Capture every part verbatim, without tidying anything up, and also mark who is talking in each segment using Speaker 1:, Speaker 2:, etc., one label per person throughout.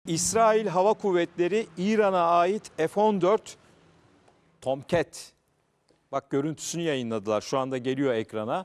Speaker 1: İsrail Hava Kuvvetleri İran'a ait F on dört Tomcat, bak görüntüsünü yayınladılar, şu anda geliyor ekrana.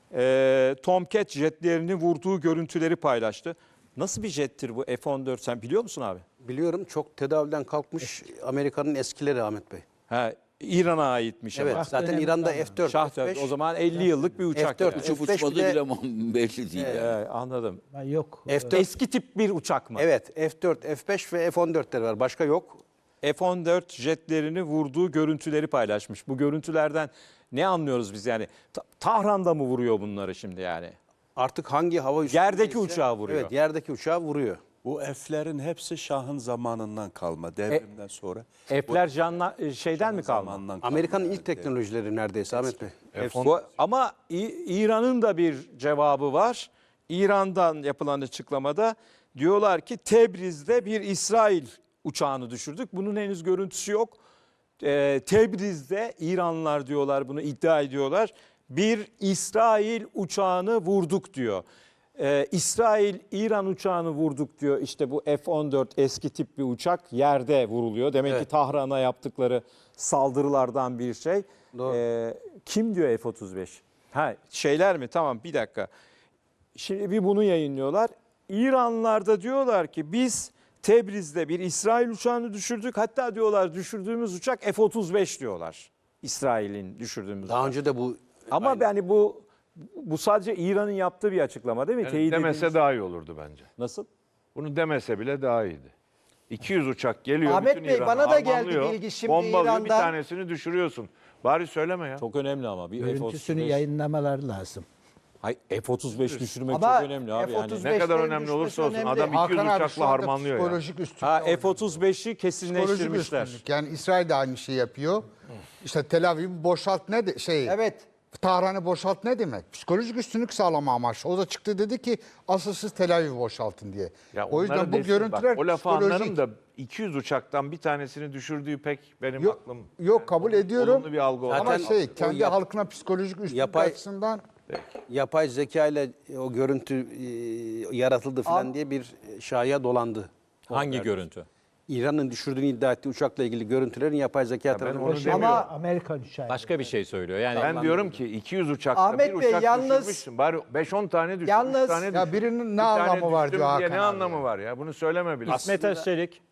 Speaker 1: Ee, Tomcat jetlerini vurduğu görüntüleri paylaştı. Nasıl bir jettir bu F on dört, sen biliyor musun abi?
Speaker 2: Biliyorum, çok tedavülden kalkmış Amerika'nın eskileri Ahmet Bey.
Speaker 1: Ha, İran'a aitmiş
Speaker 2: Evet,
Speaker 1: ama.
Speaker 2: zaten İran'da F dört,
Speaker 1: Şah
Speaker 2: F beş,
Speaker 1: o zaman elli yıllık bir uçak.
Speaker 2: F dört,
Speaker 1: yani.
Speaker 2: F
Speaker 3: Uçup
Speaker 2: beş
Speaker 3: uçmadı
Speaker 2: bile-
Speaker 3: bile belli değil. yani.
Speaker 1: Evet, anladım.
Speaker 4: Ha, Yok.
Speaker 2: F dört,
Speaker 1: Eski tip bir uçak mı?
Speaker 2: evet, F dört, F beş ve F on dörtler var. Başka yok.
Speaker 1: F on dört jetlerini vurduğu görüntüleri paylaşmış. Bu görüntülerden ne anlıyoruz biz yani? Ta- Tahran'da mı vuruyor bunları şimdi yani?
Speaker 2: Artık hangi hava üssü?
Speaker 1: Yerdeki uçağı vuruyor.
Speaker 2: Evet, yerdeki uçağı vuruyor.
Speaker 5: Bu F'lerin hepsi Şah'ın zamanından kalma, devrimden sonra.
Speaker 1: F'ler canla, şeyden mi kalma?
Speaker 5: Zamandan kalma.
Speaker 2: Amerika'nın ilk teknolojileri neredeyse Ahmet Bey.
Speaker 1: Bu, ama İ- İran'ın da bir cevabı var. İran'dan yapılan açıklamada diyorlar ki Tebriz'de bir İsrail uçağını düşürdük. Bunun henüz görüntüsü yok. Ee, Tebriz'de İranlılar diyorlar, bunu iddia ediyorlar. Bir İsrail uçağını vurduk diyor. Ee, İsrail İran uçağını vurduk diyor. İşte bu F on dört eski tip bir uçak yerde vuruluyor. Demek
Speaker 2: Evet.
Speaker 1: ki Tahran'a yaptıkları saldırılardan bir şey.
Speaker 2: Doğru.
Speaker 1: Ee, kim diyor F otuz beş? Ha, şeyler mi? Tamam, bir dakika. Şimdi bir bunu yayınlıyorlar. İranlılar da diyorlar ki biz Tebriz'de bir İsrail uçağını düşürdük. Hatta diyorlar düşürdüğümüz uçak F otuz beş diyorlar. İsrail'in düşürdüğümüz
Speaker 2: Daha
Speaker 1: uçak.
Speaker 2: önce de bu
Speaker 1: Ama yani bu bu sadece İran'ın yaptığı bir açıklama değil mi?
Speaker 6: Yani
Speaker 1: Teyit
Speaker 6: demese
Speaker 1: edilmiş.
Speaker 6: daha iyi olurdu bence.
Speaker 1: Nasıl?
Speaker 6: Bunu demese bile daha iyiydi. iki yüz uçak geliyor,
Speaker 7: Ahmet
Speaker 6: bütün
Speaker 7: Bey,
Speaker 6: İran'ı
Speaker 7: bana da geldi
Speaker 6: harmanlıyor,
Speaker 7: bilgi şimdi
Speaker 6: bombalıyor, bir
Speaker 7: İran'dan.
Speaker 6: tanesini düşürüyorsun. Bari söyleme ya.
Speaker 1: Çok önemli ama bir F otuz
Speaker 4: Görüntüsünü
Speaker 1: beş.
Speaker 4: yayınlamaları lazım.
Speaker 1: Hayır, F otuz beş düşürmek
Speaker 7: Ama
Speaker 1: çok önemli abi.
Speaker 7: F
Speaker 1: Yani.
Speaker 7: otuz
Speaker 6: Ne kadar
Speaker 7: beşlerin
Speaker 6: önemli
Speaker 7: düşmesi
Speaker 6: olursa olsun
Speaker 7: önemli.
Speaker 6: adam iki yüz
Speaker 8: Hakan abi şu
Speaker 6: uçakla
Speaker 8: anda
Speaker 6: harmanlıyor ya.
Speaker 8: psikolojik üstünlük.
Speaker 1: Ha,
Speaker 8: oynuyor.
Speaker 1: F otuz beşi
Speaker 8: Psikolojik
Speaker 1: kesinleştirmişler.
Speaker 8: üstünlük. Yani İsrail de aynı şeyi yapıyor. İşte Tel Aviv'i boşalt ne de şey.
Speaker 7: Evet.
Speaker 8: Tahran'ı boşalt ne demek? Psikolojik üstünlük sağlama amaçlı. O da çıktı dedi ki asıl siz Tel Aviv'i boşaltın diye.
Speaker 6: Ya
Speaker 8: O yüzden
Speaker 6: onları
Speaker 8: bu
Speaker 6: desin,
Speaker 8: görüntüler
Speaker 6: bak, o lafı
Speaker 8: psikolojik.
Speaker 6: anlarım da iki yüz uçaktan bir tanesini düşürdüğü pek benim
Speaker 8: Yok,
Speaker 6: aklım.
Speaker 8: yok kabul ediyorum.
Speaker 6: Olumlu bir algı olmaz.
Speaker 8: Ama
Speaker 2: Zaten
Speaker 8: şey
Speaker 2: o
Speaker 8: kendi
Speaker 2: yap-
Speaker 8: halkına psikolojik üstünlük
Speaker 2: Yapay-
Speaker 8: açısından
Speaker 2: yapay zeka ile o görüntü e, yaratıldı falan
Speaker 7: Am-
Speaker 2: diye bir şaya dolandı.
Speaker 1: Hangi görüntü?
Speaker 2: İran'ın düşürdüğünü iddia ettiği uçakla ilgili görüntülerin yapay zeka
Speaker 6: ben
Speaker 2: tarafından
Speaker 6: onu
Speaker 2: oluşan-
Speaker 6: demiyorum.
Speaker 7: Ama
Speaker 4: Amerikan uçağı.
Speaker 1: Başka bir şey söylüyor. Yani
Speaker 6: Ben diyorum ki iki yüz uçakta
Speaker 7: Ahmet
Speaker 6: bir
Speaker 7: Bey,
Speaker 6: uçak
Speaker 7: yalnız-
Speaker 6: düşürmüşsün. Bari beş on tane düşür,
Speaker 7: Yalnız-
Speaker 6: üç tane
Speaker 8: ya
Speaker 6: düşür.
Speaker 8: birinin ne
Speaker 6: Bir tane
Speaker 8: anlamı var
Speaker 6: düştüm
Speaker 8: diyor
Speaker 6: diye
Speaker 8: Hakan
Speaker 6: ne
Speaker 8: abi
Speaker 6: anlamı
Speaker 8: ya.
Speaker 6: var ya? Bunu söyleme bile.
Speaker 1: İsmet Özçelik.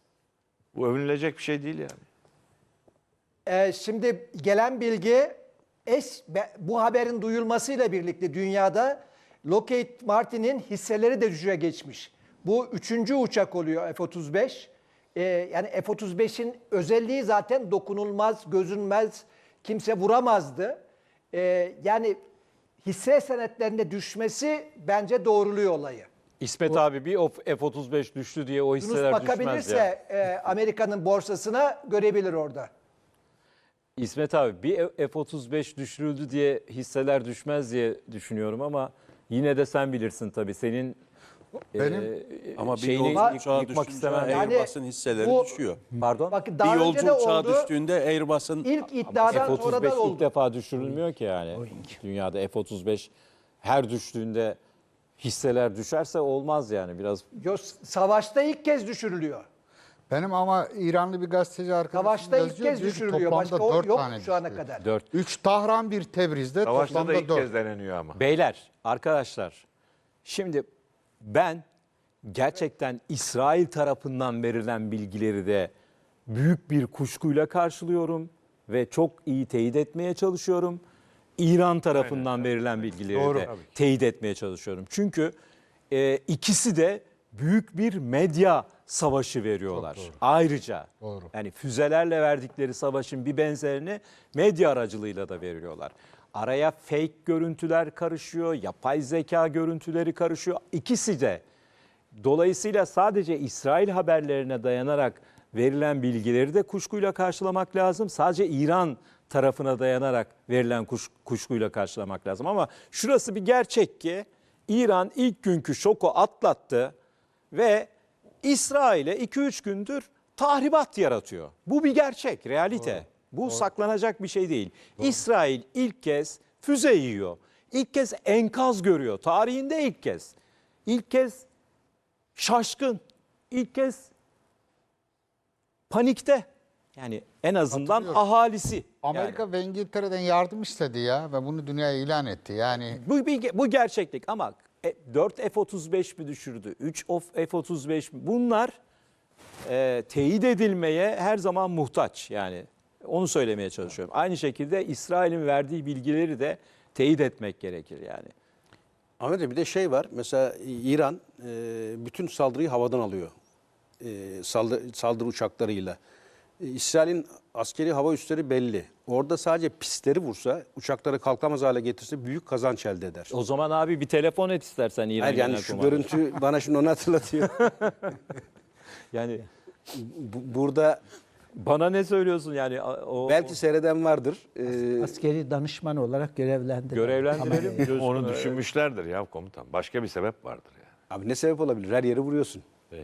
Speaker 6: Bu övünülecek bir şey değil yani.
Speaker 7: e, şimdi gelen bilgi es, be- bu haberin duyulmasıyla birlikte dünyada Lockheed Martin'in hisseleri de düşüşe geçmiş. Bu üçüncü uçak oluyor F otuz beş. E, yani F otuz beşin özelliği zaten dokunulmaz, gözünmez, kimse vuramazdı. E, yani hisse senetlerinde düşmesi bence doğruluyor olayı.
Speaker 1: İsmet abi bir o F otuz beş düştü diye o
Speaker 7: Yunus
Speaker 1: hisseler düşmez ya.
Speaker 7: bakabilirse e, Amerika'nın borsasına görebilir orada.
Speaker 1: İsmet abi bir F otuz beş düşürüldü diye hisseler düşmez diye düşünüyorum ama yine de sen bilirsin tabii. Senin
Speaker 8: Benim-
Speaker 1: e,
Speaker 5: Ama bir
Speaker 1: şeyini
Speaker 5: yolcu uçağı
Speaker 1: yıkmak
Speaker 5: düşünce
Speaker 1: istemem.
Speaker 7: Yani
Speaker 5: Airbus'un hisseleri
Speaker 7: bu-
Speaker 5: düşüyor.
Speaker 1: Pardon?
Speaker 7: Bakın
Speaker 5: Bir
Speaker 7: daha önce
Speaker 5: yolcu
Speaker 7: de
Speaker 5: uçağı
Speaker 7: oldu.
Speaker 5: düştüğünde Airbus'un
Speaker 7: İlk iddiadan
Speaker 1: F otuz
Speaker 7: sonra
Speaker 1: beş
Speaker 7: da
Speaker 1: ilk
Speaker 7: oldu.
Speaker 1: defa düşürülmüyor ki yani. Dünyada F otuz beş her düştüğünde hisseler düşerse olmaz yani biraz.
Speaker 7: Yo, savaşta ilk kez düşürülüyor.
Speaker 8: Benim ama İranlı bir gazeteci arkadaşım
Speaker 7: Savaşta ilk
Speaker 8: yazıyor,
Speaker 7: kez
Speaker 8: diyor ki
Speaker 7: düşürülüyor.
Speaker 8: toplamda
Speaker 7: Başka o
Speaker 8: dört
Speaker 7: yok
Speaker 8: tane
Speaker 7: şu ana
Speaker 8: düştü.
Speaker 7: kadar.
Speaker 1: Dört.
Speaker 8: Üç Tahran, bir Tebriz'de
Speaker 6: Savaşta da
Speaker 8: toplamda
Speaker 6: ilk
Speaker 8: dört.
Speaker 6: kez deneniyor ama.
Speaker 1: Beyler, arkadaşlar, şimdi ben gerçekten İsrail tarafından verilen bilgileri de büyük bir kuşkuyla karşılıyorum ve çok iyi teyit etmeye çalışıyorum. İran tarafından verilen bilgileri
Speaker 8: Doğru.
Speaker 1: de teyit etmeye çalışıyorum. Çünkü e, ikisi de büyük bir medya savaşı veriyorlar. Ayrıca
Speaker 8: Doğru.
Speaker 1: yani füzelerle verdikleri savaşın bir benzerini medya aracılığıyla da veriyorlar. Araya fake görüntüler karışıyor, yapay zeka görüntüleri karışıyor. İkisi de. Dolayısıyla sadece İsrail haberlerine dayanarak verilen bilgileri de kuşkuyla karşılamak lazım. Sadece İran tarafına dayanarak verilen kuş, kuşkuyla karşılamak lazım. Ama şurası bir gerçek ki İran ilk günkü şoku atlattı ve İsrail'e iki üç gündür tahribat yaratıyor. Bu bir gerçek, realite. Bu saklanacak bir şey değil. İsrail ilk kez füze yiyor. İlk kez enkaz görüyor. Tarihinde ilk kez. İlk kez şaşkın. ilk kez panikte. Yani en azından
Speaker 8: Hatırlıyorum.
Speaker 1: ahalisi.
Speaker 8: Amerika
Speaker 1: Yani
Speaker 8: ve İngiltere'den yardım istedi ya ve bunu dünyaya ilan etti. Yani
Speaker 1: bu, bir- bu gerçeklik ama e, dört F otuz beş mi düşürdü? üç F otuz beş mi? Bunlar e, teyit edilmeye her zaman muhtaç. Yani onu söylemeye çalışıyorum. Aynı şekilde İsrail'in verdiği bilgileri de teyit etmek gerekir yani.
Speaker 2: Ahmet Bey, bir de şey var. Mesela İran e, bütün saldırıyı havadan alıyor. E, saldırı, saldırı uçaklarıyla. E, İsrail'in askeri hava üsleri belli. Orada sadece pistleri vursa, uçakları kalkamaz hale getirse büyük kazanç elde eder.
Speaker 1: O zaman abi bir telefon et istersen İran
Speaker 2: Hayır, yani
Speaker 1: Genel
Speaker 2: şu
Speaker 1: Komandanı.
Speaker 2: görüntü bana şimdi onu hatırlatıyor.
Speaker 1: Yani
Speaker 2: Bu- Burada
Speaker 1: bana ne söylüyorsun yani o
Speaker 2: belki seyreden vardır. E,
Speaker 3: Askeri danışman olarak görevlendirdi.
Speaker 1: görevlendirelim. Coşkun.
Speaker 6: Onu düşünmüşlerdir ya komutan. Başka bir sebep vardır ya.
Speaker 2: abi ne sebep olabilir? Her yeri vuruyorsun.
Speaker 6: Peki.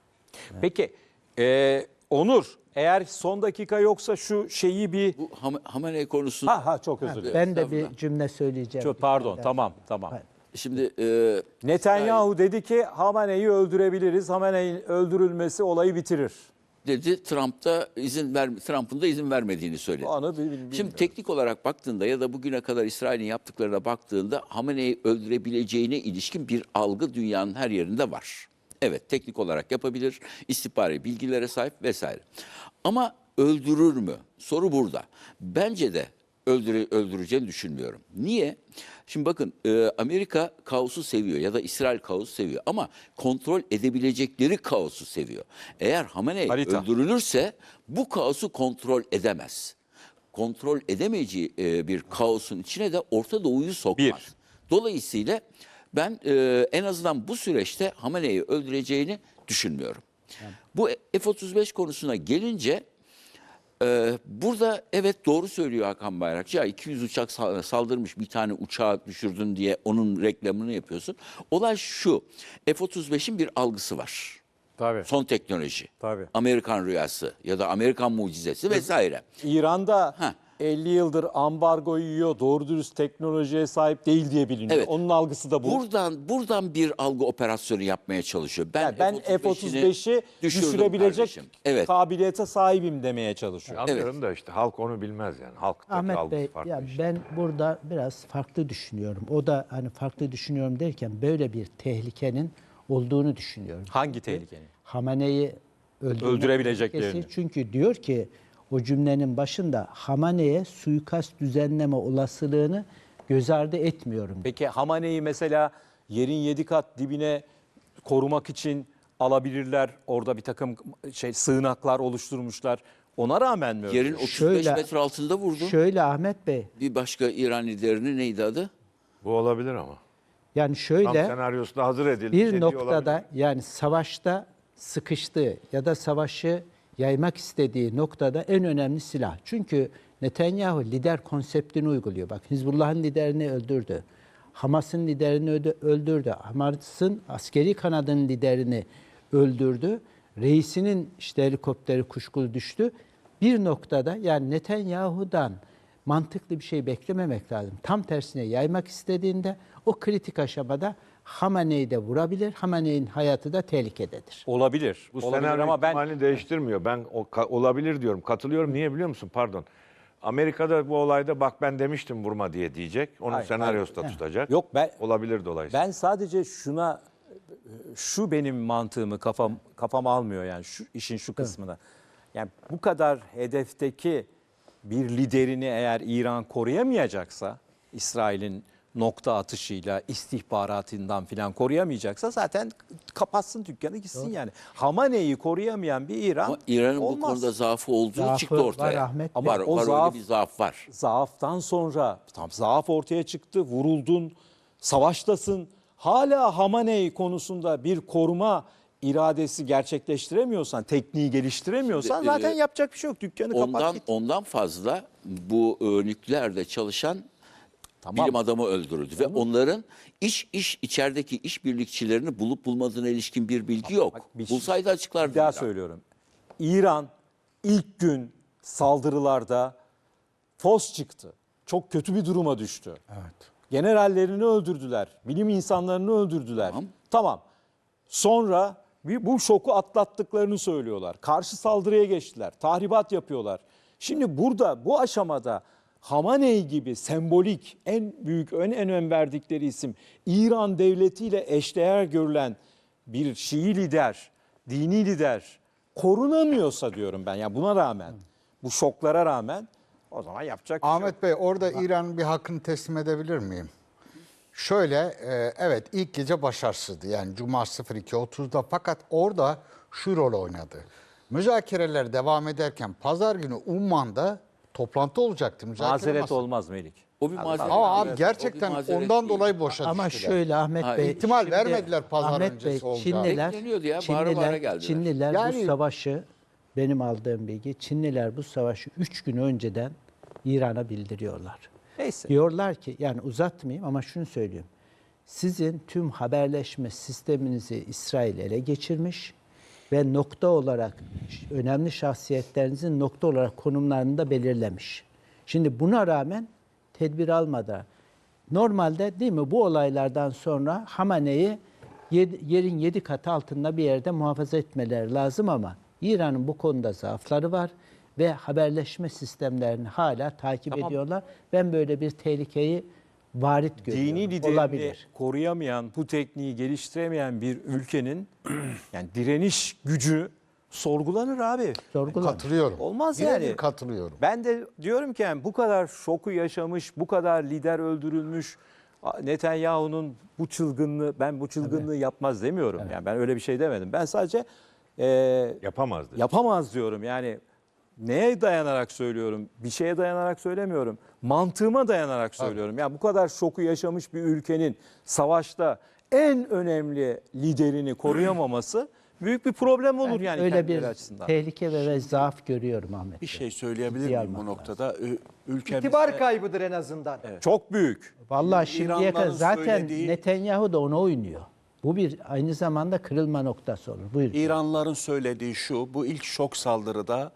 Speaker 1: Peki e, Onur eğer son dakika yoksa şu şeyi bir
Speaker 4: Bu Ham- Hamenei konusunu
Speaker 1: ha ha çok özür dilerim.
Speaker 3: Ben de bir
Speaker 4: Estağfurullah.
Speaker 3: cümle söyleyeceğim.
Speaker 1: Çok pardon tamam tamam.
Speaker 3: Hayır.
Speaker 4: şimdi e,
Speaker 1: Netanyahu dedi ki Hamane'yi öldürebiliriz. Hamane'nin öldürülmesi olayı bitirir.
Speaker 4: dedi Trump'ta izin ver Trump'ın da izin vermediğini söyledi.
Speaker 1: Onu bil- bilmiyorum.
Speaker 4: Şimdi teknik olarak baktığında ya da bugüne kadar İsrail'in yaptıklarına baktığında Hamene'yi öldürebileceğine ilişkin bir algı dünyanın her yerinde var. Evet, teknik olarak yapabilir, istihbari bilgilere sahip vesaire. Ama öldürür mü? Soru burada. Bence de öldüre, öldüreceğini düşünmüyorum. Niye? Şimdi bakın e, Amerika kaosu seviyor ya da İsrail kaosu seviyor ama kontrol edebilecekleri kaosu seviyor. Eğer Hamenei
Speaker 1: Harita.
Speaker 4: öldürülürse bu kaosu kontrol edemez. Kontrol edemeyeceği e, bir kaosun içine de Orta Doğu'yu sokmaz.
Speaker 1: Bir.
Speaker 4: Dolayısıyla ben e, en azından bu süreçte Hamenei'yi öldüreceğini düşünmüyorum. Bu F otuz beş konusuna gelince e, burada evet doğru söylüyor Hakan Bayrakçı. Ya iki yüz uçak sa- saldırmış, bir tane uçağı düşürdün diye onun reklamını yapıyorsun. Olay şu, F otuz beşin bir algısı var.
Speaker 1: Tabii.
Speaker 4: Son teknoloji.
Speaker 1: Tabii.
Speaker 4: Amerikan rüyası ya da Amerikan mucizesi vesaire.
Speaker 1: İran'da
Speaker 4: Heh.
Speaker 1: elli yıldır ambargo yiyor, doğru dürüst teknolojiye sahip değil diye biliniyor.
Speaker 4: Evet.
Speaker 1: Onun algısı da bu.
Speaker 4: Buradan buradan bir algı operasyonu yapmaya çalışıyor. Ben,
Speaker 1: Yani ben F otuz beşi
Speaker 4: düşürdüm
Speaker 1: düşürebilecek
Speaker 4: kardeşim. Evet.
Speaker 1: kabiliyete sahibim demeye çalışıyor.
Speaker 6: Anlıyorum da işte halk onu bilmez yani. Halktaki
Speaker 3: Ahmet
Speaker 6: algısı
Speaker 3: Bey,
Speaker 6: farklı
Speaker 3: ya
Speaker 6: işte.
Speaker 3: ben burada biraz farklı düşünüyorum. O da hani farklı düşünüyorum derken böyle bir tehlikenin olduğunu düşünüyorum.
Speaker 1: Hangi tehlikenin?
Speaker 3: Hamane'yi öldürme
Speaker 1: Öldürebileceklerini.
Speaker 3: tehlikesi. Çünkü diyor ki o cümlenin başında Hamane'ye suikast düzenleme olasılığını göz ardı etmiyorum.
Speaker 1: Peki Hamane'yi mesela yerin yedi kat dibine korumak için alabilirler. Orada bir takım şey sığınaklar oluşturmuşlar. Ona rağmen mi?
Speaker 4: Yerin
Speaker 1: öldürüyor?
Speaker 4: otuz beş
Speaker 3: Şöyle-
Speaker 4: metre altında vurdu.
Speaker 3: Şöyle Ahmet Bey,
Speaker 4: Bir başka İran liderinin neydi adı?
Speaker 6: Bu olabilir ama.
Speaker 3: yani
Speaker 6: Tam
Speaker 3: şöyle
Speaker 6: senaryosu da hazır edildi.
Speaker 3: bir
Speaker 6: dediği
Speaker 3: noktada
Speaker 6: olabilir.
Speaker 3: yani savaşta sıkıştığı ya da savaşı yaymak istediği noktada en önemli silah. Çünkü Netanyahu lider konseptini uyguluyor. Bak Hizbullah'ın liderini öldürdü. Hamas'ın liderini öde- öldürdü. Hamas'ın askeri kanadının liderini öldürdü. Reisinin işte helikopteri kuşkulu düştü. Bir noktada yani Netanyahu'dan mantıklı bir şey beklememek lazım. Tam tersine yaymak istediğinde o kritik aşamada Hamane'yi de vurabilir. Hamane'nin hayatı da tehlikededir.
Speaker 1: Olabilir.
Speaker 6: Bu
Speaker 1: Olabilir
Speaker 6: senaryo
Speaker 1: ama ben
Speaker 6: ihtimalini değiştirmiyor. Ben o, ka- olabilir diyorum. Katılıyorum. Niye biliyor musun? Pardon. Amerika'da bu olayda bak ben demiştim vurma diye diyecek. Onun
Speaker 1: Hayır,
Speaker 6: senaryosu da tutacak.
Speaker 1: Yok, ben-
Speaker 6: Olabilir dolayısıyla.
Speaker 1: ben sadece şuna şu benim mantığımı kafam kafam almıyor yani şu işin şu kısmına. Yani bu kadar hedefteki bir liderini eğer İran koruyamayacaksa, İsrail'in nokta atışıyla, istihbaratından filan koruyamayacaksa zaten kapatsın dükkanı gitsin yani. Hamane'yi koruyamayan bir İran
Speaker 4: Ama İran'ın bu
Speaker 1: olmaz.
Speaker 4: konuda zaafı olduğu
Speaker 3: Zaafı
Speaker 4: çıktı ortaya.
Speaker 3: var Ahmet
Speaker 1: Bey.
Speaker 4: var,
Speaker 1: Ama o
Speaker 4: var
Speaker 1: zaaf-
Speaker 4: öyle bir zaaf var.
Speaker 1: Zaaftan sonra tam zaaf ortaya çıktı, vuruldun, savaştasın. Hala Hamaney konusunda bir koruma iradesi gerçekleştiremiyorsan, tekniği geliştiremiyorsan
Speaker 4: Şimdi,
Speaker 1: zaten
Speaker 4: e,
Speaker 1: yapacak bir şey yok. Dükkanı kapat
Speaker 4: Ondan
Speaker 1: git.
Speaker 4: ondan fazla bu e, nükleerde çalışan
Speaker 1: Tamam.
Speaker 4: bilim adamı öldürüldü ve onların iş iş içerideki işbirlikçilerini bulup bulmadığına ilişkin bir bilgi yok.
Speaker 1: bak, bir şey-
Speaker 4: Bulsaydı açıklardı.
Speaker 1: Bir daha
Speaker 4: İran.
Speaker 1: söylüyorum. İran ilk gün saldırılarda fos çıktı. Çok kötü bir duruma düştü.
Speaker 8: Evet.
Speaker 1: Generallerini öldürdüler. Bilim insanlarını öldürdüler.
Speaker 4: Tamam.
Speaker 1: Tamam. Sonra Bir- Bu şoku atlattıklarını söylüyorlar. Karşı saldırıya geçtiler. Tahribat yapıyorlar. Şimdi burada bu aşamada Hamaney gibi sembolik en büyük en önem verdikleri isim İran devletiyle eşdeğer görülen bir Şii lider, dini lider korunamıyorsa diyorum ben. Yani buna rağmen, bu şoklara rağmen o zaman yapacak bir şey yok.
Speaker 8: Ahmet Bey orada İran'ın bir hakkını teslim edebilir miyim? Şöyle e, evet ilk gece başarısızdı yani Cuma sıfır iki otuzda fakat orada şu rol oynadı. Müzakereler devam ederken pazar günü Umman'da toplantı olacaktı. Müzakere
Speaker 1: Mazeret
Speaker 8: masası.
Speaker 1: olmaz Melik.
Speaker 4: O bir mazeret.
Speaker 8: Ama abi
Speaker 4: O bir
Speaker 8: gerçekten
Speaker 4: mazeret
Speaker 8: ondan
Speaker 4: değil.
Speaker 8: dolayı boşa
Speaker 3: Ama
Speaker 8: düştüler.
Speaker 3: şöyle Ahmet
Speaker 4: Ha,
Speaker 3: Bey.
Speaker 8: ihtimal
Speaker 3: şimdi
Speaker 8: vermediler pazar
Speaker 3: Ahmet
Speaker 8: öncesi
Speaker 3: Bey,
Speaker 8: olacağını.
Speaker 3: Çinliler,
Speaker 4: Bekleniyordu ya, bağıra bağıra
Speaker 3: Çinliler,
Speaker 4: geldiler.
Speaker 3: Çinliler
Speaker 8: Yani-
Speaker 3: bu savaşı, benim aldığım bilgi, Çinliler bu savaşı üç gün önceden İran'a bildiriyorlar.
Speaker 1: Neyse.
Speaker 3: Diyorlar ki, yani uzatmayayım ama şunu söyleyeyim. Sizin tüm haberleşme sisteminizi İsrail ele geçirmiş ve nokta olarak önemli şahsiyetlerinizin nokta olarak konumlarını da belirlemiş. Şimdi buna rağmen tedbir almadan, normalde değil mi bu olaylardan sonra Hamaney'i yedi- yerin yedi katı altında bir yerde muhafaza etmeleri lazım ama İran'ın bu konuda zaafları var ve haberleşme sistemlerini hala takip ediyorlar. Ben böyle bir tehlikeyi varit görüyorum.
Speaker 1: Dini liderini
Speaker 3: Olabilir.
Speaker 1: koruyamayan, bu tekniği geliştiremeyen bir ülkenin yani direniş gücü sorgulanır abi.
Speaker 3: Sorgulanır.
Speaker 8: Katılıyorum.
Speaker 1: Olmaz
Speaker 8: Birebir
Speaker 1: yani.
Speaker 8: katılıyorum.
Speaker 1: Ben de diyorum ki yani bu kadar şoku yaşamış, bu kadar lider öldürülmüş Netanyahu'nun bu çılgınlığı, ben bu çılgınlığı yapmaz demiyorum. Yani ben öyle bir şey demedim. Ben sadece e,
Speaker 6: Yapamazdı.
Speaker 1: yapamaz diyorum. Yani neye dayanarak söylüyorum? Bir şeye dayanarak söylemiyorum. Mantığıma dayanarak söylüyorum. Yani bu kadar şoku yaşamış bir ülkenin savaşta en önemli liderini koruyamaması büyük bir problem olur
Speaker 3: Ben
Speaker 1: yani
Speaker 3: öyle
Speaker 1: kendileri
Speaker 3: bir
Speaker 1: açısından.
Speaker 3: tehlike ve, ve zaaf görüyorum Ahmet
Speaker 5: Bir
Speaker 3: Bey.
Speaker 5: şey söyleyebilir
Speaker 3: Ciddiye
Speaker 5: miyim bu
Speaker 3: almak
Speaker 5: noktada? Ü- Ülkemizde
Speaker 7: İtibar kaybıdır en azından.
Speaker 1: Çok büyük.
Speaker 3: Vallahi şimdiye kadar
Speaker 5: İranlıların
Speaker 3: zaten
Speaker 5: söylediği-
Speaker 3: Netanyahu da ona oynuyor. Bu bir aynı zamanda kırılma noktası olur. Buyurun.
Speaker 5: İranlıların söylediği şu, bu ilk şok saldırıda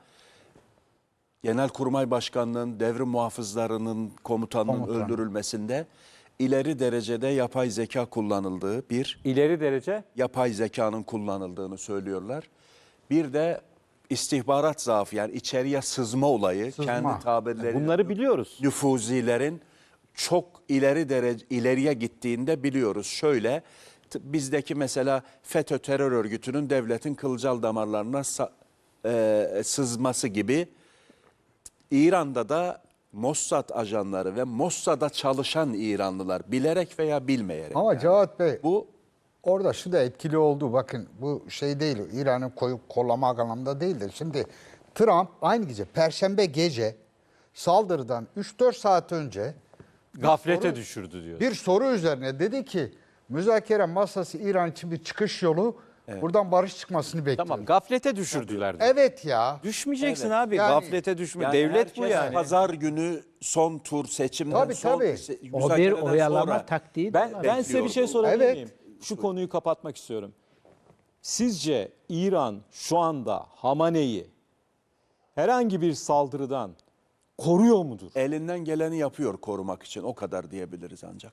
Speaker 5: Genelkurmay Başkanlığı'nın devrim muhafızlarının komutanının
Speaker 8: Komutan.
Speaker 5: öldürülmesinde ileri derecede yapay zeka kullanıldığı bir
Speaker 1: İleri derece
Speaker 5: yapay zekanın kullanıldığını söylüyorlar. Bir de istihbarat zaafı yani içeriye sızma olayı
Speaker 8: Sızma.
Speaker 5: kendi tabirleri
Speaker 1: bunları biliyoruz.
Speaker 5: nüfuzilerin çok ileri derece ileriye gittiğinde biliyoruz. Şöyle t- bizdeki mesela FETÖ terör örgütünün devletin kılcal damarlarına sa- e, sızması gibi İran'da da Mossad ajanları ve Mossad'a çalışan İranlılar bilerek veya bilmeyerek.
Speaker 8: Ama Cevat Bey
Speaker 5: Bu
Speaker 8: orada şu da etkili oldu. Bakın bu şey değil, İran'ı koyup kollamak anlamında değildir. Şimdi Trump aynı gece, Perşembe gece saldırıdan üç dört saat önce
Speaker 1: Gaflete
Speaker 8: soru-
Speaker 1: düşürdü diyor.
Speaker 8: bir soru üzerine dedi ki müzakere masası İran için bir çıkış yolu. Buradan barış çıkmasını bekliyor.
Speaker 1: Tamam, gaflete düşürdüler diyor.
Speaker 8: Evet ya.
Speaker 1: Düşmeyeceksin
Speaker 5: Evet.
Speaker 1: abi.
Speaker 8: Yani-
Speaker 1: Gaflete düşme.
Speaker 5: yani
Speaker 1: Devlet bu
Speaker 5: herkes
Speaker 1: yani.
Speaker 5: Pazar günü son tur seçimden
Speaker 8: Tabii,
Speaker 5: son
Speaker 8: tabii.
Speaker 5: se-
Speaker 3: O bir
Speaker 5: müzakereden
Speaker 3: oyalama
Speaker 5: sonra
Speaker 3: taktiği de
Speaker 1: Ben
Speaker 3: var.
Speaker 1: ben size bir şey sorabilir
Speaker 8: Evet.
Speaker 1: miyim? Şu konuyu kapatmak istiyorum. Sizce İran şu anda Hamaney'i herhangi bir saldırıdan koruyor mudur?
Speaker 5: elinden geleni yapıyor korumak için o kadar diyebiliriz ancak.